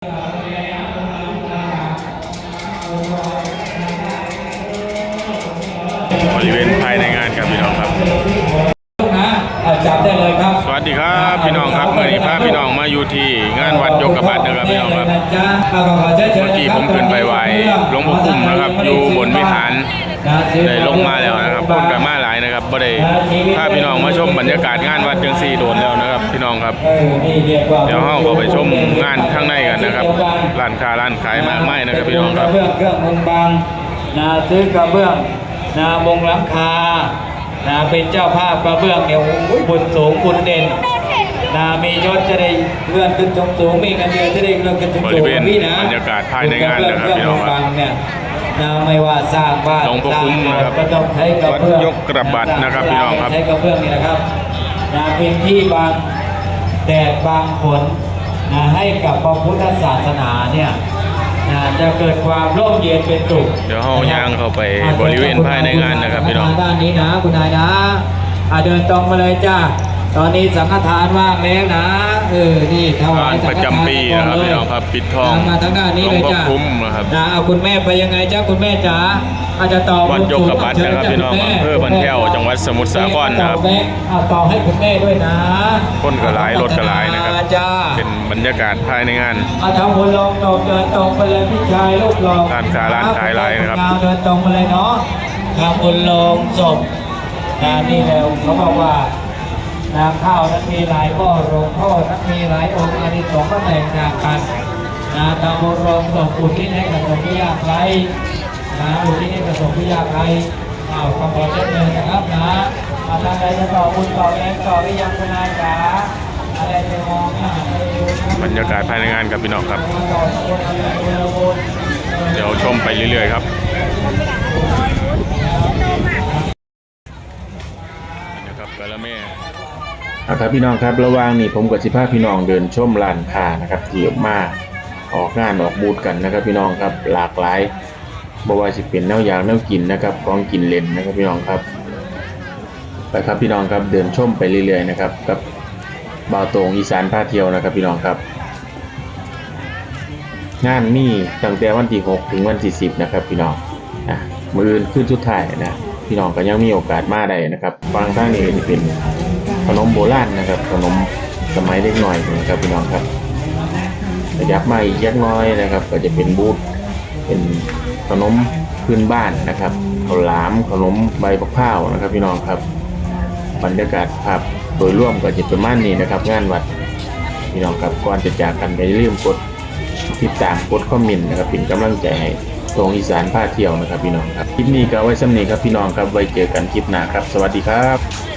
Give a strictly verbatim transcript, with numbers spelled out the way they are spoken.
บริเวณภายในงานครับพี่น้องครับจับได้เลยครับสวัสดีครับพี่น้องครับเมื่อนี้พาพี่น้องมาอยู่ที่งานวัดยกกระบาดนะครับพี่น้องครับเมื่อกี้ผมขึ้นไปไหว้หลวงพ่อคุ้มนะครับอยู่บนวิหารได้ลงมาแล้วนะครับคนกันมาหลายนะครับบ่ได้พาพี่น้องมาชมบรรยากาศงานวัดจังซี่โดนแล้วนะครับพี่น้องครับเดี๋ยวเราก็ไปชมงานข้างในกันนะครับร้านค้าร้านขายมากมายนะครับพี่น้องครับเครื่องมุงบางนาซื้อกระเบื้องนามุงหลังคานาเป็นเจ้าภาพกระเบื้องเนี่ยบุญสูงบุญเด่นนามียศจะได้เลื่อนขึ้นสูงสูงมีเงินเดือนจะได้เลื่อนขึ้นสูงสูงพี่นะบรรยากาศภายในงานนะครับพี่น้องครับนาไม่ว่าสร้างบ้านหลวงพ่อคุ้มนะครับก็ต้องใช้กระเบื้องยกกระบาดนะครับพี่น้องครับใช้กระเบื้องนี่นะครับนาเป็นที่บางแดดบางฝนนาให้กับพระพุทธศาสนาเนี่ยจะเกิดความร่มเย็นเป็นสุขเดี๋ยวห้องย่างเข้าไปบริเวณภายในงานนะครับพี่น้องด้านนี้นะคุณนายนะเดินตรงมาเลยจ้าตอนนี้สังฆทานว่างแล้วนะเออนี่ถวายประจำปีนะครับพี่น้องครับปิดทองมาทางด้านนี้เลยจ้าคุ้มนะครับนะเอาคุณแม่ไปยังไงจ้าคุณแม่จ๋าอาจจะต่อวัดยกกระบาดนะครับพี่น้องอำเภอบ้านแพ้วจังหวัดสมุทรสาครนะครับเอาต่อให้คุณแม่ด้วยนะคนกระไรรถกระไรนะครับเป็นบรรยากาศภายในงานเอาทำบุญลงตรงเดินตรงไปเลยพี่ชายลูกหลงร้านค้าร้านขายไรนะครับเดินตรงมาเลยเนาะทำบุญลงศพนะนี่แล้วเขาบอกว่านาข้าวนั้นมีหลายข้อโรงข้อนั้นมีหลายองค์อานิสงส์ก็แตกต่างกันนาทำบุญลงศพอุทิศให้กับคนที่ยากไร้นะอุทิศให้กับคนที่ยากไร้เอาคำขอเชิญเลยนะครับนะอาจารย์ใดจะต่อบุญต่อแรงต่อหรือยังคุณนายจ๋าอะไรจะมองบรรยากาศภายในงานกับพี่น้องครับเดี๋ยวชมไปเรื่อยๆครับนะครับกะละแม่ครับพี่น้องครับระหว่างนี้ผมกับสิพาพี่น้องเดินชมร้านค้านะครับที่มาออกงานออกบูธกันนะครับพี่น้องครับหลากหลายบ่ว่าสิเป็นแนวอย่างแนวกินนะครับของกินเล่นนะครับพี่น้องครับไปครับพี่น้องครับเดินชมไปเรื่อยๆนะครับกับบ่าวตรงอีสานพาเที่ยวนะครับพี่น้องครับงานมีตั้งแต่วันที่หกถึงวันที่สิบนะครับพี่น้องอ่ะมื้ออื่นขึ้นสุดท้ายนะพี่น้องก็ยังมีโอกาสมาได้นะครับฟังทางนี้จะเป็นขนมโบราณนะครับขนมสมัยเล็กน้อยนะครับพี่น้องครับขยับมาอีกยักน้อยนะครับก็จะเป็นบูธเป็นขนมพื้นบ้านนะครับข้าวหลามขนมใบมะพร้าวนะครับพี่น้องครับบรรยากาศภาพโดยรวมก็จะประมาณนี้นะครับงานวัดพี่น้องครับก่อนจะจากกันอย่าลืมกดติดตามกดคอมเมนต์นะครับเป็นกำลังใจให้ตรงอีสานพาเที่ยวนะครับพี่น้องครับคลิปนี้ก็ไว้สำเนีครับพี่น้องครับไว้เจอกันคลิปหน้าครับสวัสดีครับ